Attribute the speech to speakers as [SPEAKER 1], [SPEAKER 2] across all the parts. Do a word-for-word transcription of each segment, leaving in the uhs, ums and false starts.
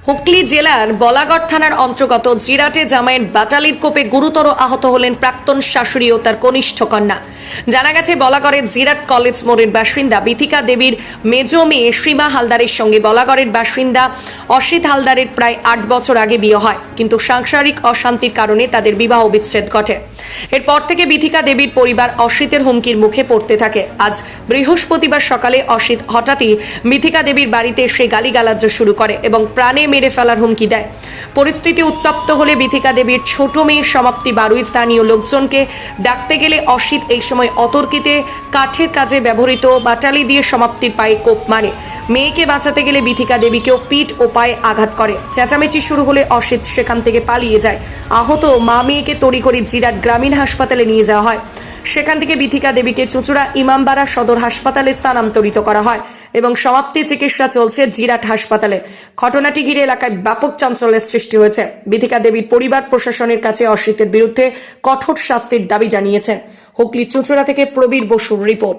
[SPEAKER 1] হুগলি জেলার বলাগড় থানার অন্তর্গত জিরাটে জামাইয়ের বাটালির কোপে গুরুতর আহত হলেন প্রাক্তন শাশুড়ি ও তার কনিষ্ঠ কন্যা। জানা গেছে বলাগড়ের জিরাট কলেজ মোড়ের বাসিন্দা বিথিকা দেবীর মেজ মেয়ে সীমা হালদারের সঙ্গে বলাগড়ের বাসিন্দা অসিত হালদারের প্রায় আট বছর আগে বিয়ে হয়, কিন্তু সাংসারিক অশান্তির কারণে তাদের বিবাহ বিচ্ছেদ ঘটে। এরপর থেকে বিথিকা দেবীর পরিবার অসিতের হুমকির মুখে পড়তে থাকে। আজ বৃহস্পতিবার সকালে অসিত হঠাৎই বিথিকা দেবীর বাড়িতে এসে গালিগালাজ শুরু করে এবং প্রাণে মেরে ফেলার হুমকি দেয়। পরিস্থিতি উত্তপ্ত হলে বিথিকা দেবীর ছোট মেয়ের সমাপ্তি বারুই স্থানীয় লোকজনকে ডাকতে গেলে অসিত এই সময় অতর্কিতে কাঠের কাজে ব্যবহৃত বাটালি দিয়ে সমাপ্তির পায়ে কোপ মারে। মেয়েকে বাঁচাতে গেলে বিথিকা দেবীকেও পিঠ ও পায়ে আঘাত করে। চেঁচামেচি শুরু হলে অসিত সেখান থেকে পালিয়ে যায়। আহত মা মেয়েকে তড়িঘড়ি জিরাট গ্রামীণ হাসপাতালে নিয়ে যাওয়া হয়। সেখান থেকে বিথিকা দেবীকে চুঁচুড়া ইমামবাড়া সদর হাসপাতালে স্থানান্তরিত করা হয় এবং সমাপ্তি চিকিৎসা চলছে জিরাট হাসপাতালে। ঘটনাটি ঘিরে এলাকায় ব্যাপক চাঞ্চল্যের সৃষ্টি হয়েছে। বিথিকা দেবীর পরিবার প্রশাসনের কাছে অসিতের বিরুদ্ধে কঠোর শাস্তির দাবি জানিয়েছেন। হুগলি চুঁচুড়া থেকে প্রবীর বসুর রিপোর্ট।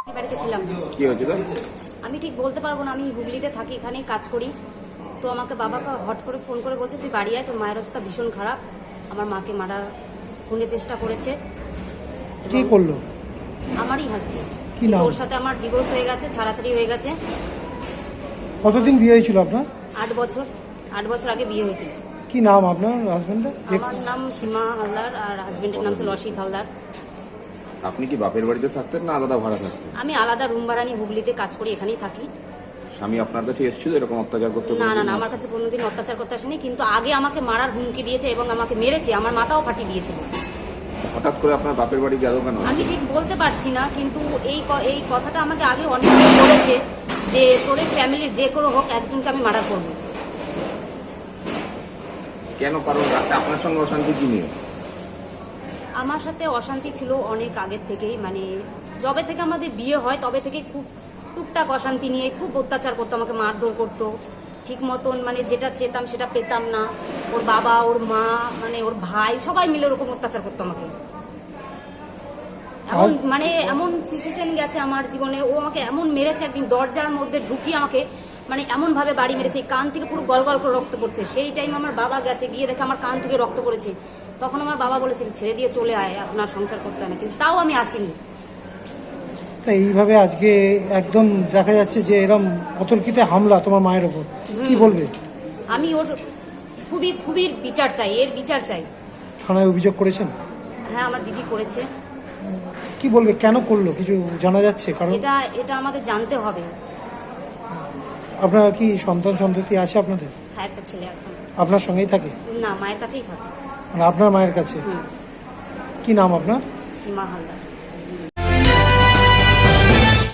[SPEAKER 2] আমি ঠিক বলতে পারবো না, আমি হুগলিতে থাকি, এখানেই কাজ করি। তো আমাকে বাবাকে হট করে ফোন করে বলছে তুই বাড়ি আয়, তোর মায়ের অবস্থা ভীষণ খারাপ, আমার মাকে মারা খুনের চেষ্টা করেছে।
[SPEAKER 3] কি করলো?
[SPEAKER 2] আমারই হাজবেন্ড।
[SPEAKER 3] কি নাম?
[SPEAKER 2] ওর সাথে আমার ডিভোর্স হয়ে গেছে, ছাড়াছাড়ি হয়ে গেছে।
[SPEAKER 3] কতদিন বিয়ে হয়েছিল আপনার?
[SPEAKER 2] আট বছর আট বছর আগে বিয়ে হয়েছিল।
[SPEAKER 3] কি নাম আপনার হাজবেন্ডের?
[SPEAKER 2] আমার নাম সীমা হালদার আর হাজবেন্ডের নাম ছিল অসিত হালদার।
[SPEAKER 4] আপনি কি বাপের বাড়িতে থাকতেন না আলাদা ভাড়া থাকতেন?
[SPEAKER 2] আমি আলাদা রুম ভাড়া নিয়ে হুগলিতে কাজ করি, এখানেই থাকি।
[SPEAKER 4] স্বামী আপনার কাছে এসেছিল এরকম অত্যাচার করতে?
[SPEAKER 2] না না না, আমার কাছে কোনোদিন অত্যাচার করতে আসেনি, কিন্তু আগে আমাকে মারার হুমকি দিয়েছে এবং আমাকে মেরেছে, আমার মাথাও ফাটিয়ে দিয়েছিল।
[SPEAKER 4] হঠাৎ করে আপনার বাপের বাড়ি গেল কেন?
[SPEAKER 2] আমি ঠিক বলতে পারছি না, কিন্তু এই এই কথাটা আমাকে আগে অনেকবার বলেছে যে তোদের ফ্যামিলির যে কোনো হোক একজনকে আমি মার্ডার করবো।
[SPEAKER 4] কেন? কারণ আপনার সঙ্গে অশান্তি কি নিয়ে?
[SPEAKER 2] আমার সাথে অশান্তি ছিল অনেক আগের থেকেই, মানে যবে থেকে আমাদের বিয়ে হয় তবে থেকে খুব টুকটাক অশান্তি নিয়ে খুব অত্যাচার করতো, আমাকে মারধর করতো ঠিক মতন, মানে যেটা চেতাম সেটা পেতাম না। ওর বাবা, ওর মা, মানে ওর ভাই সবাই মিলে ওরকম অত্যাচার করতো আমাকে। এমন মানে এমন সিচুয়েশন গেছে আমার জীবনে, ও আমাকে এমন মেরেছে, একদিন দরজার মধ্যে ঢুকিয়ে আমাকে মানে এমন ভাবে বাড়ি মেরেছে, এই কান থেকে পুরো গল গল করে রক্ত পড়ছে। সেই টাইম আমার বাবা গেছে, গিয়ে দেখে আমার কান থেকে রক্ত পড়েছে। তখন আমার বাবা বলেছে ছেড়ে দিয়ে চলে আয়, আপনার সংসার করতে হয় না, কিন্তু তাও আমি আসিনি।
[SPEAKER 3] তাই এইভাবে আজকে একদম দেখা যাচ্ছে যে এরকম অতর্কিতে হামলা তোমার মায়ের ওপর, কি বলবে?
[SPEAKER 2] আমি ওর খুবই খুবই বিচার চাই, এর বিচার চাই।
[SPEAKER 3] থানায় অভিযোগ করেছেন?
[SPEAKER 2] হ্যাঁ, আমার দিদি করেছে।
[SPEAKER 3] কি বলবে, কেন করলো কিছু জানা যাচ্ছে? কারণ
[SPEAKER 2] এটা এটা আমাদের জানতে হবে।
[SPEAKER 3] আপনার কি সন্তান সন্ততি আছে আপনাদের?
[SPEAKER 2] হ্যাঁ, একটা ছেলে আছে।
[SPEAKER 3] আপনার সঙ্গেই থাকে?
[SPEAKER 2] না, মায়ের কাছেই থাকে।
[SPEAKER 3] মানে আপনার মায়ের কাছে? কি নাম আপনার?
[SPEAKER 2] সীমা হালদার।